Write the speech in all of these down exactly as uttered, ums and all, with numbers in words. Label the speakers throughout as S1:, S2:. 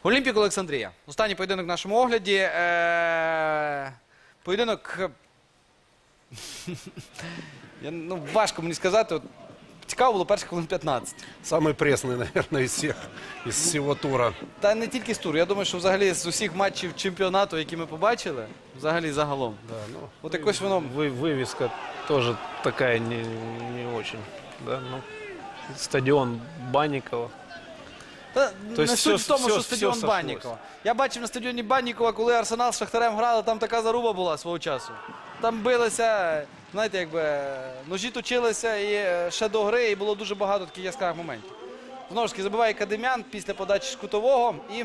S1: Олімпік Олександрія. Останній поєдинок в нашому огляді. Е... Поєдинок... Я, ну, важко мені сказати. От, цікаво було перших хвилин п'ятнадцять.
S2: Самый пресный, наверное, из всех, из всего тура.
S1: Та не тільки з туру. Я думаю, що взагалі з усіх матчів чемпіонату, які ми побачили, взагалі загалом.
S2: Да, ну,
S1: От якось воно...
S3: Вы, вывеска тоже такая не, не очень. Да? Ну, стадион Банникова.
S1: Та,
S3: То
S1: не
S3: есть
S1: суть
S3: все-
S1: в тому,
S3: все-
S1: що
S3: все
S1: стадіон
S3: сошлось.
S1: Баннікова. Я бачив на стадіоні Баннікова, коли Арсенал з Шахтарем грали, там така заруба була свого часу. Там билися, знаєте, якби ножі точилися і е, ще до гри, і було дуже багато таких яскравих моментів. Знову ж таки, забиває Кадимян після подачі з кутового. І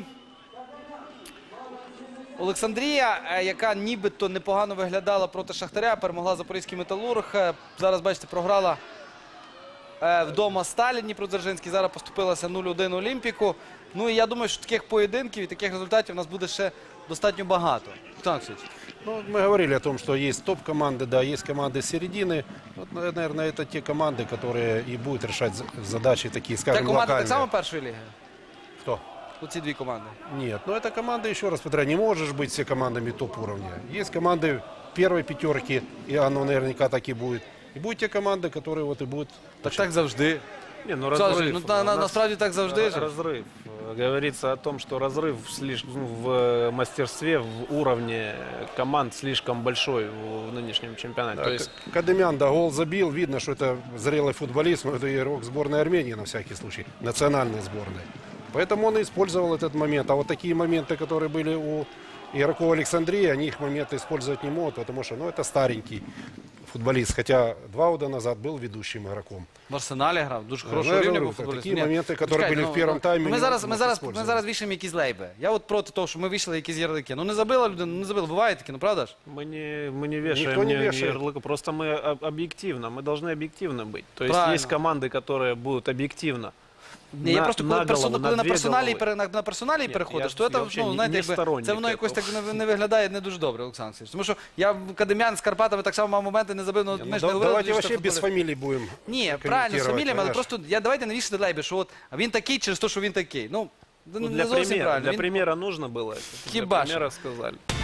S1: Олександрія, е, яка нібито непогано виглядала проти Шахтаря, перемогла Запорізький Металург. Е, Зараз, бачите, програла е, вдома Сталі Дніпродзержинський. Зараз поступилася нуль один Олімпіку. Ну і я думаю, що таких поєдинків і таких результатів у нас буде ще достатньо багато. Олександр Олексійович.
S2: ну, мы говорили о том, что есть топ-команды, да, есть команды середины. Вот, наверное, это те команды, которые и будут решать за- задачи такие,
S1: Ця
S2: скажем,
S1: команда так
S2: локальные.
S1: само першої ліги?
S2: Кто?
S1: Оці дві команди.
S2: Нет, но эта команда, еще раз повторяю, не можешь быть все командами топ-уровня. Есть команды первой пятерки, и оно наверняка так и будет. И будут те команды, которые вот и будут...
S1: Так так завжди.
S3: Не, ну
S1: Олександр
S3: разрыв.
S1: Олексійович, ну, на- на-
S3: У нас
S1: насправді так завжди ж.
S3: Разрыв. Говорится о том, что разрыв слишком, ну, в мастерстве, в уровне команд слишком большой в нынешнем чемпионате.
S2: Да,
S3: То есть
S2: К- Кадымян, да, гол забил. Видно, что это зрелый футболист, но это игрок сборной Армении, на всякий случай, национальной сборной. Поэтому он и использовал этот момент. А вот такие моменты, которые были у игроков Александрии, они их моменты использовать не могут, потому что, ну, это старенький футболист. Хотя два года назад был ведущим игроком.
S1: В Арсеналі грав, дуже
S2: Ну,
S1: хорошого
S2: я
S1: рівня
S2: говорю,
S1: був
S2: так,
S1: футболіст.
S2: такі
S1: Ні,
S2: моменти, які
S1: чекайте,
S2: були в першому таймі,
S1: Ми
S2: не
S1: зараз, ми,
S2: можна
S1: зараз, ми
S2: використовувати.
S1: зараз вішаємо якісь лейби. Я от проти того, що ми вішали якісь ярлики. Ну не забила людина, ну не забила. Буває таке, ну правда ж?
S3: мы не, мы не вешаем
S2: Никто не
S3: ни- ни
S2: вешает.
S3: ярлыка, просто мы об- объективно, мы должны объективно быть. То есть
S1: Правильно.
S3: есть команды, которые будут объективно.
S1: Ні, я
S3: на-
S1: просто
S3: на
S1: коли, персона,
S3: голову,
S1: коли
S3: на
S1: на
S3: дві
S1: персоналі,
S3: голови.
S1: пере- на, на персоналі
S3: Ні,
S1: переходиш,
S3: я-
S1: то
S3: я
S1: це,
S3: взагалі
S1: ну,
S3: не-
S1: знаєте,
S3: не
S1: якби,
S3: сторонник
S1: це воно якось так
S3: этого.
S1: не, не виглядає не дуже добре, Олександр Олексійович. Тому що я в Кадимян з Карпатами так само мав моменти, не забив, ну,
S2: Ну,
S1: ми ж
S2: да-
S1: не говорили,
S2: давайте
S1: що
S2: вообще
S1: це
S2: без
S1: футболіст.
S2: фамилий будем
S1: Ні, правильно, з
S2: комментировать,
S1: фаміліями, але
S2: понимаешь?
S1: просто я, давайте не вішати лейби, що от а він такий через те, що він такий. Ну,
S3: Ну,
S1: не
S3: для,
S1: зовсім
S3: примера,
S1: правильно.
S3: для
S1: Він-
S3: примера нужно было это.
S1: Хиба
S3: Для примера сказали.